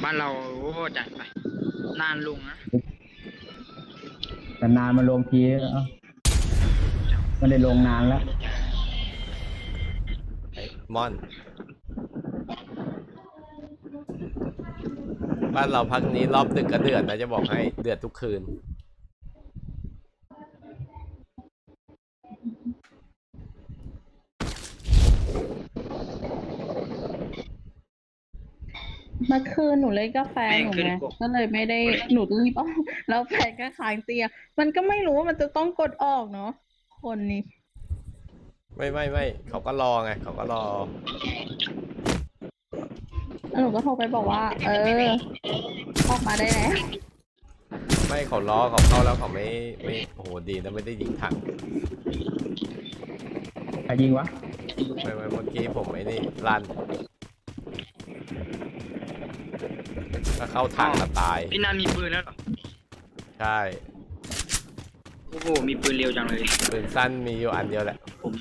บ้านเราโอ้จัดไปนานลุงนะแต่นานมาลงทีไม่ได้ลงนานแล้วไอ้มอนบ้านเราพักนี้รอบดึกก็เดือดนะจะบอกให้เดือดทุกคืนเมื่อคืนหนูเล่นกาแฟหนูไงก็เลยไม่ได้หนูรีบออกแล้วแฟนก็ค้างเตียงมันก็ไม่รู้ว่ามันจะต้องกดออกเนาะคนนี้ไม่เขาก็รอไงเขาก็รอแล้วหนูก็โทรไปบอกว่าออกมาได้แล้วไม่เขาล้อเขาเข้าแล้วเขาไม่โอ้โหดีนะไม่ได้ยิงถังใครยิงวะไม่เมื่อกี้ผมไอ้นี่ลั่นถ้าเข้าถังก็ตายพี่นันมีปืนแล้วเหรอใช่โอ้โหมีปืนเร็วจังเลยปืนสั้นมีอยู่อันเดียวแหละ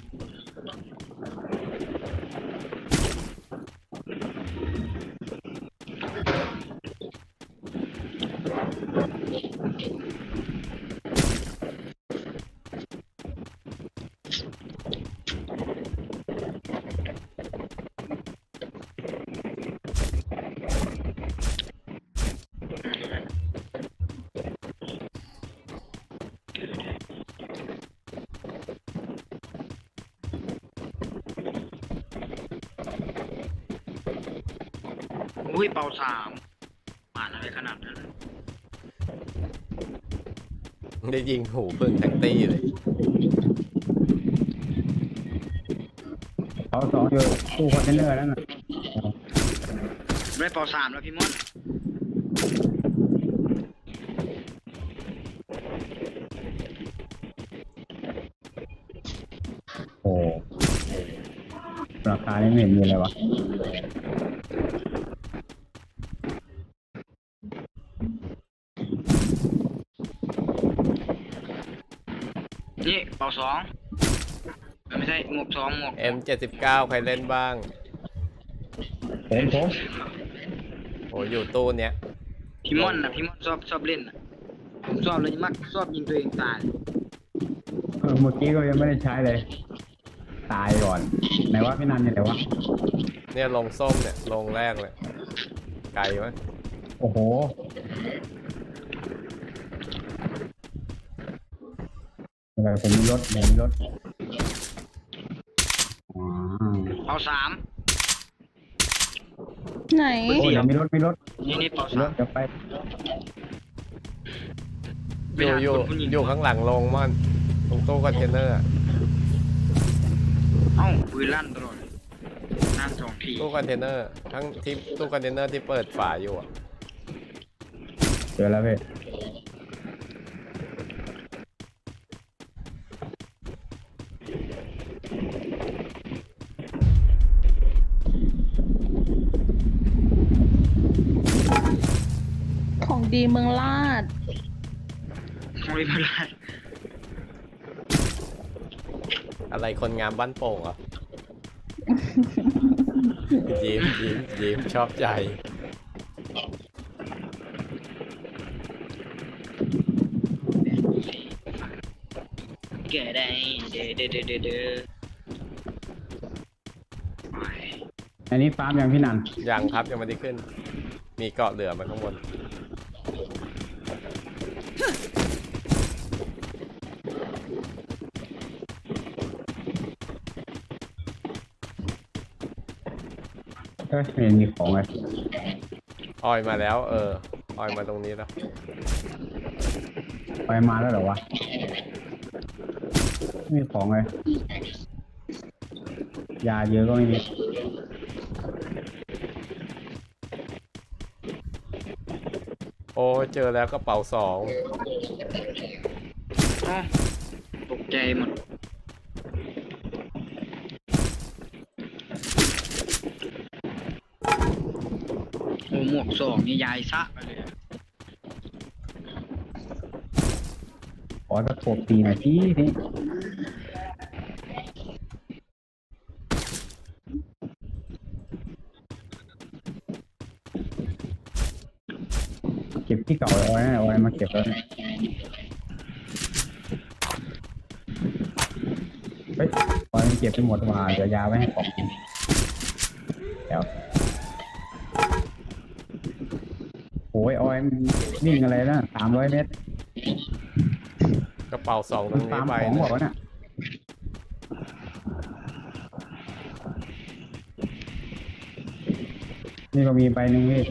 อุ้ยเป่าสามผ่านอะไรขนาดนั้นได้ยิงหูพึ่งแท็กตี้เลยเขาสองอยู่ตู้คอนเทนเนอร์แล้วน่ะได้เป่าสามแล้วพี่มอนโอ้ราคาไม่เห็นมีอะไรวะนี่เป่าสองไม่ใช่หมวกสองหมวก M79 ใครเล่นบ้างผมโอ้อยู่ตู้เนี้ยพี่มอนนะพี่มอนชอบเล่นนะผมชอบเลยมักชอบยิงตัวเองตายเมื่อกี้ก็ยังไม่ได้ใช้เลยตายก่อนไหนวะพี่นันเนี่ยไหนวะเนี่ยลงส้มเนี่ยลงแรกเลยไกลไหมโอ้โหผมมีรถเอาสามไหนโอ้ยมีรถนี่เป่าสามจะไปอยู่ข้างหลังลงมันตรงตู้คอนเทนเนอร์เอ้าปืนลั่นตลอดนั่งสองทีตู้คอนเทนเนอร์ทั้งที่ตู้คอนเทนเนอร์ที่เปิดฝาอยู่อ่ะเจอแล้วพี่ของดีเมืองลาดของดีเมืองลาดอะไรคนงามบ้านโป่งอ่ะยิ้มชอบใจแก่ได้เด้ออันนี้ฟาร์มยังพี่นันยังครับยังไม่ได้ขึ้นมีเกาะเหลือมาข้างบนไม่มีของเลยออยมาแล้วออยมาตรงนี้แล้วออยมาแล้วเหรอวะไม่มีของเลยยาเยอะก็ไม่มีโอ้เจอแล้วกระเป๋าสองตกใจหมดโอ้หมวกสองนี่ยายซะไปเลยขอตะโขบตีหน่อยพี่ก็บที่เก่าเอาไว้นะเอาไว้มาเก็บแล้วเฮ้ยออยมันเก็บไปหมดมาเดี๋ยวยาไว้ให้ของกินเดี๋ยวโอ้ยออยมันวิ่งอะไรนะ300 เมตรกระเป๋า2ตรงมันนี้ตามไปของบอกนะว่าน่ะนี่ก็มีใบหนึ่งพี่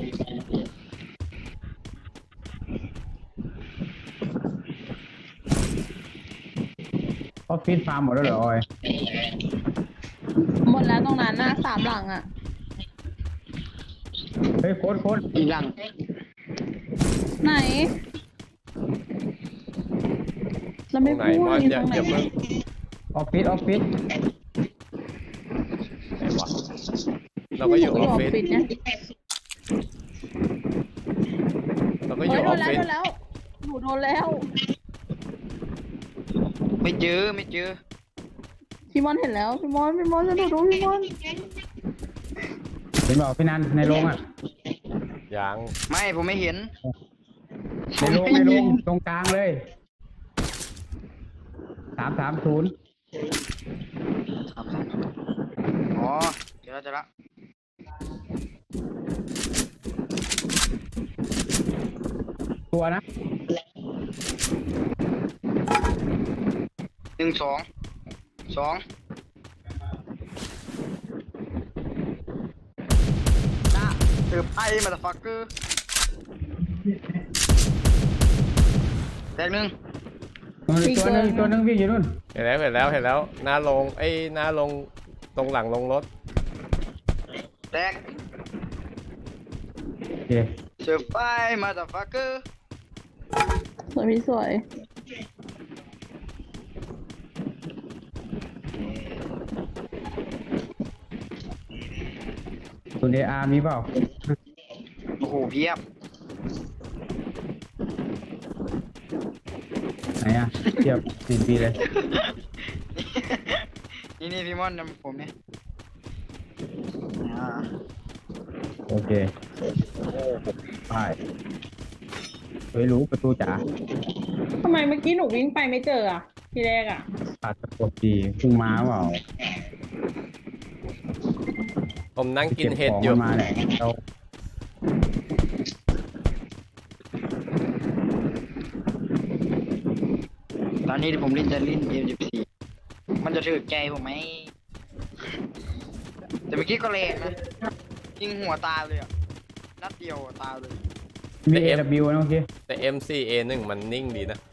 ออฟฟิศฟาร์มหมดแล้วเหรอออยหมดแล้วตรงนั้นนะ3 หลังอ่ะเฮ้ยโค้ดอีกหลังไหนเราตรไม่งไหนพูดมอนอยู่อย่าตรงไหนอย่าเพิ่งออฟฟิศไหนวะเราก็อยู่ออฟฟิศเนี่ยเราก็อเฮ้ยู่ยอโดอน ฟแล้วฟิศโดนแล้วหนูโดนแล้วไม่เจอพี่มอนเห็นแล้วพี่มอนจะดูพี่มอนเห็นบอกพี่นันในโรงอ่ะยังไม่ผมไม่เห็นในโรงตรงกลางเลย330 อ๋อเจอแล้วตัวนะ 1 2 2น่าเติบไอ้มาตาฟักเกอร์แตกหนึ่งตัวหนึงวิ่งอยู่นู่นเห็นแล้วหน้าลงหน้าลงตรงหลังลงรถแตกโอเคเสิร์ฟไอ้มาตาฟักเกอร์สวยพี่สวยตัวเออาร์มีเปล่าโอ้โหเพียบไหนอ่ะเทียบ4 ปีเลยนี่พี่มอนนำผมเนี่ยอ่าโอเคไปเฮ้ยรู้ประตูจ๋าทำไมเมื่อกี้หนูวิ่งไปไม่เจออ่ะทีแรกอ่ะขาดตะกดดีพุ่งมาเปล่าผมนั่งกินก็บเห็ดของอยู่มาแหละเราตอนนี้ผมจะเล่น M14 มันจะถือใจผมไหมแต่เมื่อกี้ก็แรงนะยิงหัวตายเลยอ่ะนัดเดียวตายเลยมี AW นะโอเคแต่ MCA1 มันนิ่งดีนะ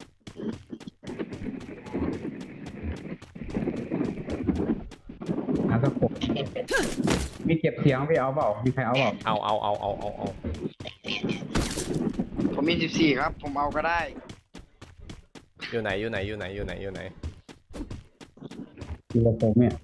หาตะกดมีเก็บเสียงพี่เอาเปล่ามีใครเอาเปล่าเอาผมมี 14 ครับ ผมเอาก็ได้อยู่ไหนอยู่กับผมเนี่ย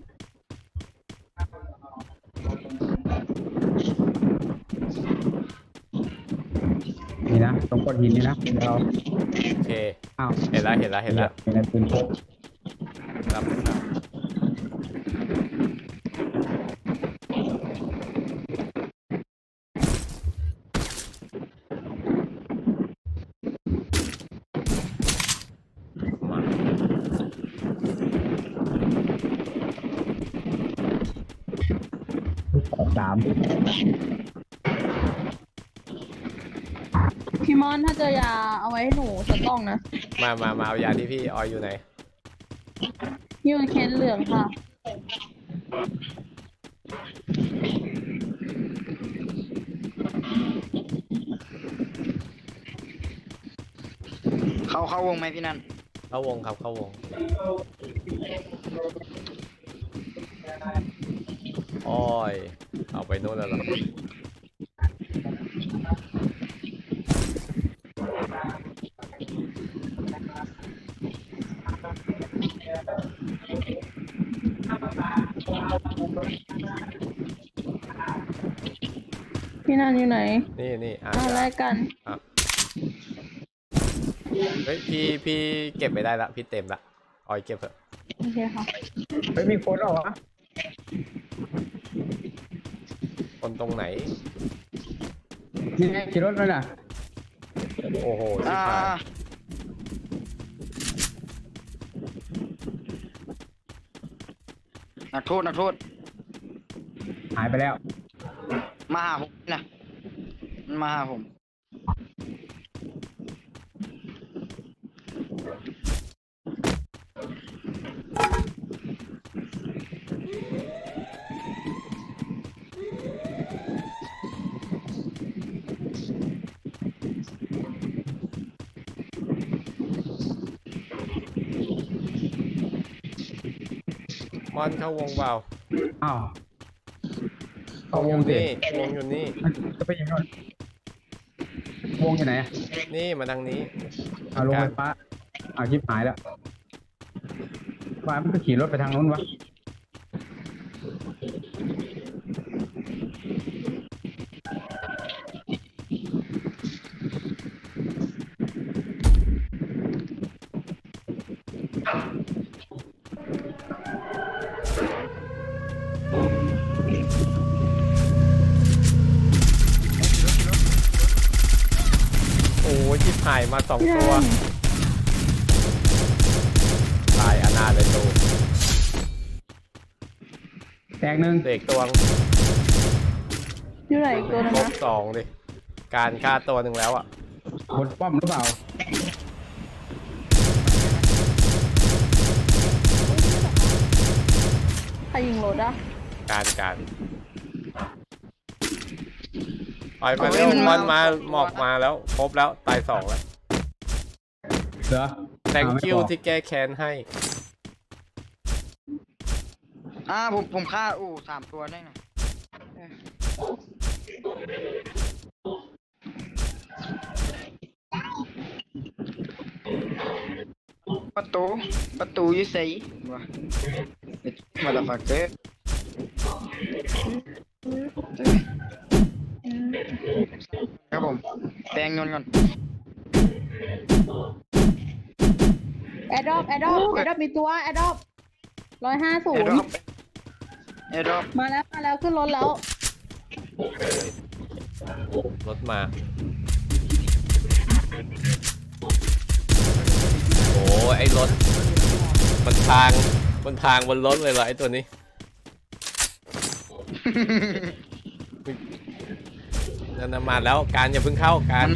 นี่นะตรงก้อนหินนี่นะเดี๋ยวเราโอเคอ้าวเห็นแล้วอยู่ในปืนพกรับมา 3 พี่มอนถ้าเจอยาเอาไว้ให้หนูสักกล่องนะมาเอายาที่พี่ออยอยู่ไหนยืนเคนเหลืองค่ะเข้าวงไหมพี่นันเข้าวงครับเข้าวงอ้อยเอาไปโน่นแล้วเหรอพี่นันอยู่ไหนนี่แลกกันอ่ะเฮ้ยพี่เก็บไม่ได้ละพี่เต็มละออยเก็บเถอะโอเคค่ะเฮ้ยมีคนเหรอวะคนตรงไหนนี่ไงขี่รถเลยน่ะโอ้โหชิบหายนักโทษนักโทษหายไปแล้วมาหาผมนะมันมาหาผมมอนเข้าวงเปล่าอ้าววงอยู่นี่วงอยู่นี่มันจะไปยังไงวงอยู่ไหนอะนี่มาทางนี้เอาลงไฟฟ้าเอาชิปหายแล้วฟ้ามันก็ขี่รถไปทางนู้นวะโอ้ยชิบหายมา2 ตัวตายอนาถเลยตูแตกหนึ่งเด็กตัวอยู่ไหนอีกตัวนึงครบนะ 2ดิการฆ่าตัวหนึ่งแล้วอ่ะบนป้อมหรือเปล่าใครยิงรถอะการปล่อยมาเร็วมันมาหมอกมาแล้วครบแล้วตาย2แล้วเหรอ thank ไม่ you บอกที่แก้แค้นให้ผมฆ่า3 ตัวได้ไงประตูอยู่ไสวะมาละฟักเกอร์ครับผมแปลงยนต์ก่อนแอดดอปมีตัวแอดดอป150 แอร์ดรอปมาแล้วขึ้นรถแล้วรถมาโอ้ไอ้รถมันทางบนรถเลยเหรอไอ้ตัวนี้ นั่นน่ะมาแล้วการอย่าเพิ่งเข้าการ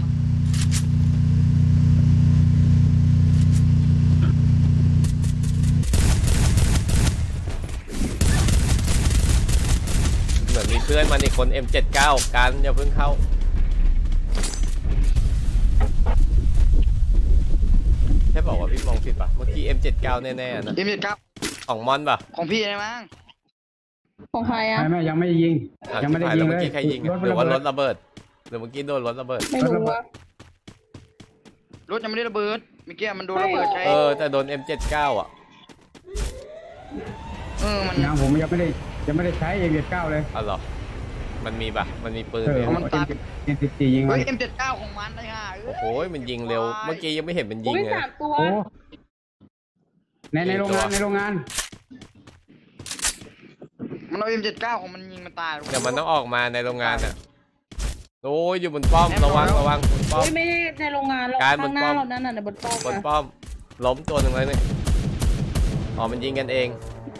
เหมือนมีเพื่อนมันอีกคน M79 การอย่าเพิ่งเข้าใช่บอกว่าพี่มองผิดปะเมื่อกี้ M79 แน่ๆนะ M79 ของมอนปะของพี่ได้มั้งของใครอะไม่ยังไม่ได้ยิงอ่ะยังไม่ได้ชิบหายิงแล้วเลเมื่อย กี้ใครยิงรถหรือว่ารถระเบิดระเบิดหรือเมื่อกี้โดนรถระเบิดไม่รู้ว่ารถยังไม่ได้ระเบิดเมื่อกี้มันโดนระเบิดใช่แต่โดน M79 อ่ะมันยังผมยังไม่ได้ใช้เอเวียเก้าเลยอ๋อเหรอมันมีปะมันมีปืนเอไหอมมันตาม M14ยิงมัเฮ้นย M79 ของมันได้ห่าโอ้โหมันยิงเร็วเมื่อกี้ยังไม่เห็นมันยิงอุ้ยเลย 3 ตัวโอ้ในโรงงานมันเอา M79 ของมันยิงมันตายเดี๋ยวมันต้องออกมาในโรงงานอ่ะโอ้ยอยู่บนป้อมระวังบนป้อมอุ้ยไม่ได้ในโรงงานเราการบข้าน งหน้าป้อมเรานั่นน่ะในบนป้อมบนอะป้อมล้มตัวหนึ่งเลยนี่อ๋อมันยิงกันเอง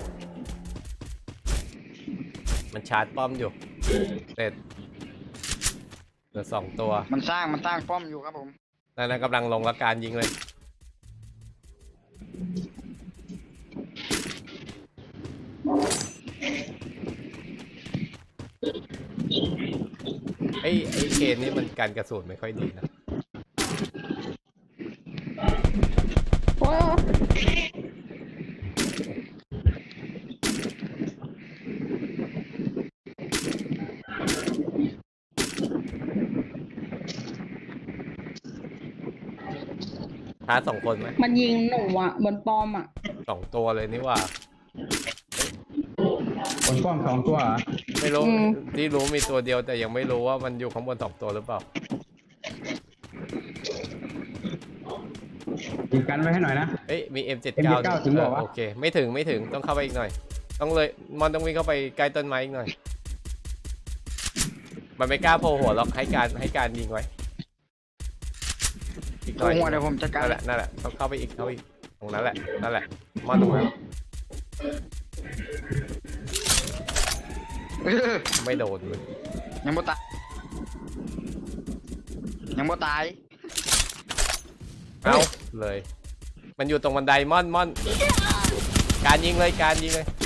มันชาร์จป้อมอยู่เสร็จเหลือ2 ตัวมันสร้างป้อมอยู่ครับผมนั่นกำลังลงและการยิงเลยไอ้เคนนี่มันการกระสุนไม่ค่อยดีนะโอ้ยชาร์จ2 คนไหมมันยิงหนูอะบนป้อมอะ 2 ตัวเลยนี่ว่าบนป้อม2 ตัวเหรอไม่รู้ที่รู้มีตัวเดียวแต่ยังไม่รู้ว่ามันอยู่ข้างบน2 ตัวหรือเปล่ายิงกันไว้ให้หน่อยนะเอ้ยมี M79 M79 ถึงบอกว่าโอเคไม่ถึงต้องเข้าไปอีกหน่อยต้องเลยมอนต้องวิ่งเข้าไปใกล้ต้นไม้อีกหน่อยมันไม่กล้าโผล่หัวหรอกให้การยิงไว้อีกหน่อยหัวเดี๋ยวผมจัดการนั่นแหละต้องเข้าไปอีกตรงนั้นแหละมอนตรงนั้น ไม่โดนเลยยังบ่ตายยังบ่ตายเอาเลย มันอยู่ตรงบันไดม่อนการยิงเลยแตก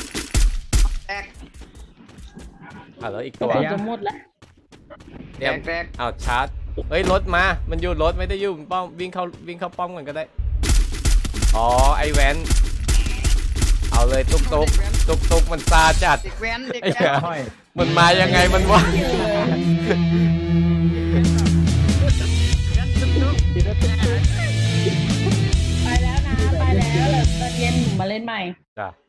แล้วอีกกระตัวสุนจะหมดแล้วเตรียมแตกเอาชาร์จเฮ้ยรถมามันอยู่รถไม่ได้อยู่ป้อมวิ่งเข้าป้อมกันก็ได้อ๋อไอแวนเอาเลยตุกมันซาจัดเด็กแว้นเด็กไอ้แว้เหี้ยนค่อยมันมายังไงมันวะไปแล้วนะไปแล้วเดี๋ยวตอนเย็นหนูมาเล่นใหม่จ้ะ